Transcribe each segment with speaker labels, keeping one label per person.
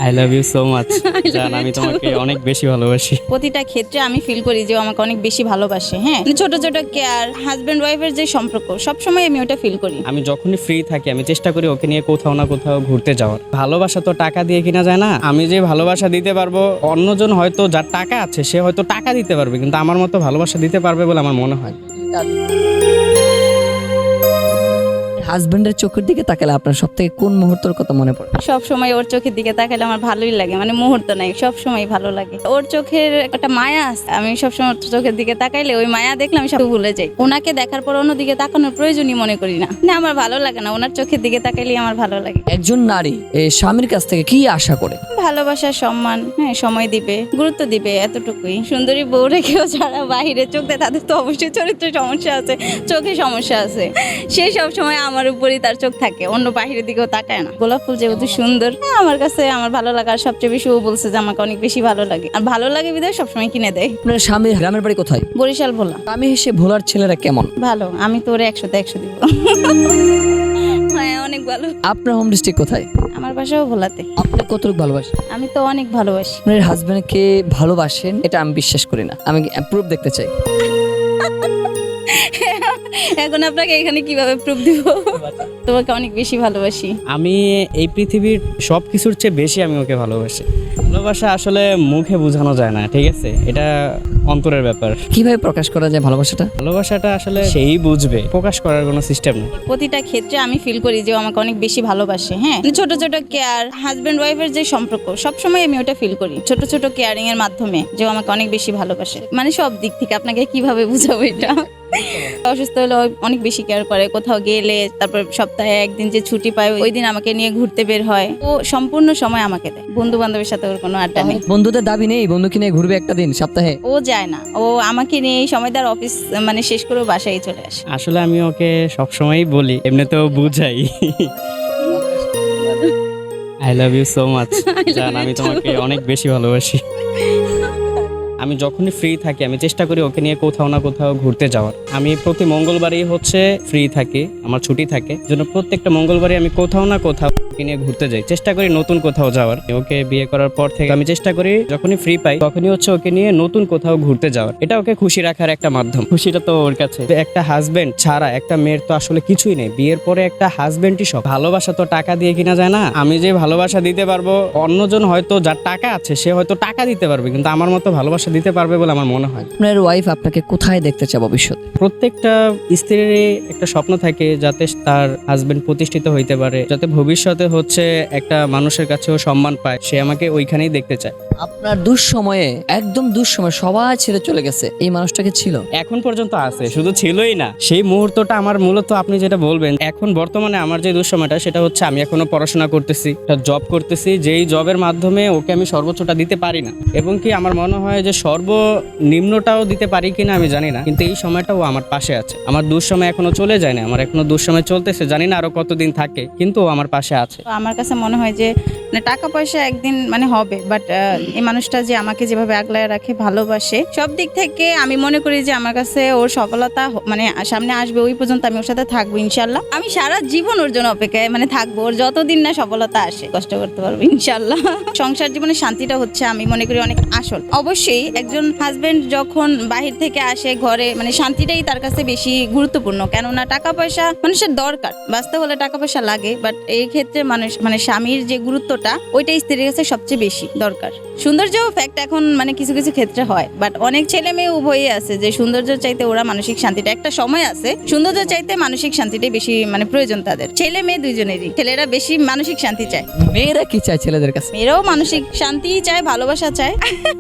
Speaker 1: I love you so much. জান, আমি তোমাকে অনেক বেশি ভালোবাসি।
Speaker 2: প্রতিটা ক্ষেত্রে আমি ফিল করি যে ও আমাকে অনেক বেশি ভালোবাসে। হ্যাঁ, ছোট ছোট কেয়ার, হাজবেন্ড ওয়াইফের যে সম্পর্ক, সবসময় আমি ওটা ফিল করি।
Speaker 1: আমি যখনই ফ্রি থাকি আমি চেষ্টা করি ওকে নিয়ে কোথাও না কোথাও ঘুরতে যাওয়ার। ভালোবাসা তো টাকা দিয়ে কিনা যায় না। আমি যে ভালোবাসা দিতে পারবো, অন্যজন হয়তো যার টাকা আছে সে হয়তো টাকা দিতে পারবে, কিন্তু আমার মতো ভালোবাসা দিতে পারবে বলে আমার মনে হয়।
Speaker 3: হাজবেন্ডের চোখের দিকে তাকালে আপনার সব থেকে কোন মুহূর্তের কথা মনে পড়ে?
Speaker 2: সব সময় ওর চোখের দিকে তাকালে আমার ভালোই লাগে, মানে মুহূর্ত নাই, সব সময় ভালো লাগে। ওর চোখের একটা মায়া আছে, আমি সবসময় ওর চোখের দিকে তাকাইলে ওই মায়া দেখলে আমি সব ভুলে যাই। ওনাকে দেখার পর অন্য দিকে তাকানোর প্রয়োজনই মনে করি না। না, আমার ভালো লাগে না, ওনার চোখের দিকে তাকাইলেই আমার ভালো লাগে।
Speaker 3: একজন নারী স্বামীর কাছ থেকে কি আশা করে?
Speaker 2: ভালোবাসা, সম্মান, হ্যাঁ, সময় দিবে, গুরুত্ব দিবে, এতটুকুই। সুন্দরী বউ রেখেও যারা বাহিরে চোখ দেয় তাদের তো অবশ্যই চরিত্রে সমস্যা আছে, চোখে সমস্যা আছে। সে সব সময় আমার উপরই তার চোখ থাকে, অন্য বাহিরের দিকেও তাকায় না। গোলাপ ফুল যেহেতু সুন্দর, হ্যাঁ, আমার কাছে আমার ভালো লাগার সবচেয়ে বেশি ও বলছে যে আমাকে অনেক বেশি ভালো লাগে, আর ভালো লাগে বিধায় সবসময় কিনে দেয়।
Speaker 3: আপনার স্বামীর গ্রামের বাড়ি কোথায়?
Speaker 2: বরিশাল ভোলা।
Speaker 3: স্বামী এসে ভোলার ছেলেরা কেমন?
Speaker 2: ভালো, আমি তো ওরে 100তে 100 দিব। হ্যাঁ, অনেক ভালো।
Speaker 3: আপনার হোম ডিস্ট্রিক্ট কোথায়?
Speaker 2: আমার বাসাও ভোলাতে।
Speaker 3: আপনি কতটুকু ভালোবাসেন?
Speaker 2: আমি তো অনেক ভালোবাসি।
Speaker 3: আপনার হাজবেন্ডকে ভালোবাসেন এটা আমি বিশ্বাস করি না, আমি প্রুফ দেখতে চাই।
Speaker 2: এখন আপনাকে এখানে কিভাবে প্রুফ দিব? তোমাকে অনেক বেশি ভালোবাসি।
Speaker 1: আমি এই পৃথিবীর সব কিছুর চেয়ে বেশি আমি ওকে ভালোবাসি। ভালোবাসা আসলে মুখে বোঝানো যায় না, ঠিক আছে? এটা অন্তরের ব্যাপার।
Speaker 3: কিভাবে প্রকাশ করা যায় ভালোবাসাটা?
Speaker 1: ভালোবাসাটা আসলে সেই বুঝবে, প্রকাশ করার কোনো সিস্টেম নেই।
Speaker 2: প্রতিটা ক্ষেত্রে আমি ফিল করি যে ও আমাকে অনেক বেশি ভালোবাসে। হ্যাঁ, ছোট ছোট কেয়ার, হাজবেন্ড ওয়াইফের যে সম্পর্ক, সবসময় আমি ওটা ফিল করি ছোট ছোট কেয়ারিং এর মাধ্যমে, যে ও আমাকে অনেক বেশি ভালোবাসে। মানে সব দিক থেকে। আপনাকে কিভাবে বুঝাবো এটা? অসুস্থ হলে ও অনেক বেশি কেয়ার করে, কোথাও গেলে, তারপর সপ্তাহে একদিন যে ছুটি পায় ওই দিন আমাকে নিয়ে ঘুরতে বের হয়। ও সম্পূর্ণ সময় আমাকে দেয়। বন্ধু বান্ধবের সাথে ওর কোনো আড্ডা নেই।
Speaker 3: বন্ধুদের দাবি নেই বন্ধুকে নিয়ে ঘুরবে একটা দিন সপ্তাহে?
Speaker 2: ও যায় না, ও আমাকে নিয়ে এই সময় তার অফিস মানে শেষ করে বাসায় চলে আসে।
Speaker 1: আসলে আমি ওকে সবসময়ই বলি, এমনিতেও বুঝাই। I love you so much. জান, আমি তোমাকে অনেক বেশি ভালোবাসি। আমি যখনই ফ্রি থাকি আমি চেষ্টা করি ওকে নিয়ে কোথাও না কোথাও ঘুরতে যাওয়ার। আমি প্রতি মঙ্গলবারই ফ্রি থাকি, আমার ছুটি থাকে, জন্য প্রত্যেকটা মঙ্গলবারই আমি কোথাও না কোথাও ওকে নিয়ে ঘুরতে যাই, চেষ্টা করি নতুন কোথাও যাওয়ার। ওকে বিয়ে করার পর থেকে আমি চেষ্টা করি যখনই ফ্রি পাই তখনই ওকে নিয়ে নতুন কোথাও ঘুরতে যাওয়ার। এটা ওকে খুশি রাখার একটা মাধ্যম। খুশিটা তো ওর কাছে। একটা হাজবেন্ড ছাড়া একটা মেয়ের তো আসলে কিছুই নেই। বিয়ের পরে একটা হাজবেন্ডই সব। ভালোবাসা তো টাকা দিয়ে কিনা যায় না। আমি যে ভালোবাসা দিতে পারবো, অন্যজন হয়তো যার টাকা আছে সে হয়তো টাকা দিতে পারবে, কিন্তু আমার মতো ভালোবাসা দিতে পারবে বলে আমার মনে হয়।
Speaker 3: আপনার ওয়াইফ আপনাকে কোথায় দেখতে চায় ভবিষ্যতে?
Speaker 1: প্রত্যেকটা স্ত্রীর একটা স্বপ্ন থাকে যাতে তার হাজবেন্ড প্রতিষ্ঠিত হইতে পারে, যাতে ভবিষ্যতে একটা মানুষের কাছেও সম্মান পায়। সে আমাকে ওইখানেই দেখতে চায়।
Speaker 3: আপনার দুঃসময়ে, একদম দুঃসময়ে সবাই ছেড়ে চলে গেছে, এই মানুষটাকে ছিল?
Speaker 1: এখন পর্যন্ত আছে, শুধু ছিলই না, সেই মুহূর্তটা আমার মূলত আপনি যেটা বলবেন, এখন বর্তমানে আমার যে দুঃসময়টা সেটা হচ্ছে আমি এখনো পড়াশোনা করতেছি, একটা জব করতেছি, যেই জবের মাধ্যমে ওকে আমি সর্বোচ্চটা দিতে পারি না, এবং কি আমার মনে হয় যে সর্বনিম্নটাও দিতে পারি কিনা আমি জানি না, কিন্তু এই সময়টা ও আমার পাশে আছে। আমার দুঃসময় এখনো চলে যায় না, আমার এখনো দুঃসময় চলতেছে, জানি না আরো কতদিন থাকে, কিন্তু ও আমার পাশে আছে।
Speaker 2: তো আমার কাছে মনে হয় যে টাকা পয়সা একদিন মানে হবে, বাট এই মানুষটা যে আমাকে যেভাবে আগলায় রাখে, ভালোবাসে, সব দিক থেকে আমি মনে করি যে আমার কাছে ওর সফলতা মানে সামনে আসবে, ওই পর্যন্ত আমি ওর সাথে থাকবো ইনশাল্লাহ। আমি সারা জীবন ওর জন্য অপেক্ষায় মানে থাকবো, ওর যতদিন না সফলতা আসে কষ্ট করতে পারবো ইনশাল্লাহ। সংসার জীবনে শান্তিটা হচ্ছে আমি মনে করি অনেক আসল। অবশ্যই একজন হাজবেন্ড যখন বাহির থেকে আসে ঘরে, মানে শান্তিটাই তার কাছে বেশি গুরুত্বপূর্ণ, কেননা টাকা পয়সা মানুষের দরকার, বাঁচতে হলে টাকা পয়সা লাগে, বাট এই ক্ষেত্রে মানুষ মানে স্বামীর যে গুরুত্বটা ওইটাই স্ত্রীর কাছে সবচেয়ে বেশি দরকার। সৌন্দর্য ফ্যাক্ট এখন মানে কিছু কিছু ক্ষেত্রে হয়, বাট অনেক ছেলে মেয়ে উভয়ই আছে যে সৌন্দর্য চাইতে ওরা মানসিক শান্তিটা, একটা সময় আছে সৌন্দর্য চাইতে মানসিক শান্তিটাই বেশি মানে প্রয়োজন তাদের। ছেলে মেয়ে দুইজনেরই, ছেলেরা বেশি মানসিক শান্তি চায়।
Speaker 3: মেয়েরা কি চায় ছেলেদের কাছে?
Speaker 2: মেয়েরাও মানসিক শান্তি চায়, ভালোবাসা চায়।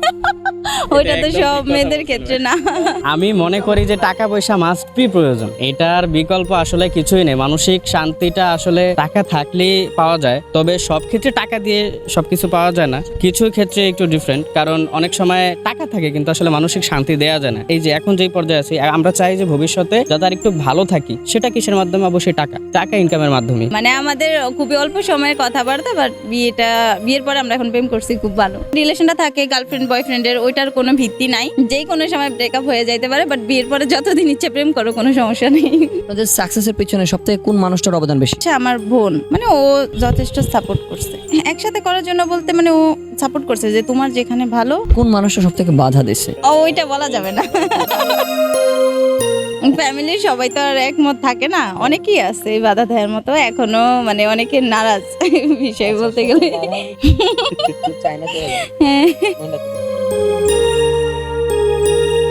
Speaker 2: ওইটা তো সব মেয়েদের ক্ষেত্রে না।
Speaker 1: আমি মনে করি যে টাকা পয়সা মাস্ট বি প্রয়োজন, এটার বিকল্প আসলে কিছুই নেই। মানসিক শান্তিটা আসলে টাকা থাকলেই পাওয়া যায়, তবে সব ক্ষেত্রে টাকা দিয়ে সবকিছু পাওয়া যায় না। কিছু ক্ষেত্রে চেয়ে একটু ডিফারেন্ট, কারণ অনেক সময় টাকা থাকে কিন্তু আসলে মানসিক শান্তি দেওয়া যায় না। এই যে এখন যেই পর্যায়ে আছি, আমরা চাই যে ভবিষ্যতে যাতে আর একটু ভালো থাকি, সেটা কিসের মাধ্যমে? অবশ্যই টাকা ইনকামের মাধ্যমে।
Speaker 2: মানে আমাদের খুবই অল্প সময়ের কথাবার্তা, বাট বিয়ের পরে আমরা এখন প্রেম করছি, খুব ভালো রিলেশনটা থাকে গার্লফ্রেন্ড বয়ফ্রেন্ডের, ওইটার কোনো ভিত্তি নাই, যেই কোনো সময় ব্রেকআপ হয়ে যাইতে পারে, বাট বিয়ের পরে যতদিন ইচ্ছে প্রেম করো, কোনো সমস্যা নেই।
Speaker 3: আপনাদের সাকসেসের পিছনে সবথেকে কোন মানুষটার অবদান বেশি?
Speaker 2: আচ্ছা, আমার বোন, মানে ও যথেষ্ট সাপোর্ট করছে একসাথে করার জন্য, বলতে মানে ও সাপোর্ট করছে যে তোমার যেখানে ভালো।
Speaker 3: কোন মানুষটা সবথেকে বাধা দিছে?
Speaker 2: ওইটা বলা যাবে না। ফ্যামিলির সবাই তো আর একমত থাকে না, অনেকেই আছে বাধা দেওয়ার মতো, এখনো মানে অনেকে নারাজ বিষয় বলতে গেলে। হ্যাঁ।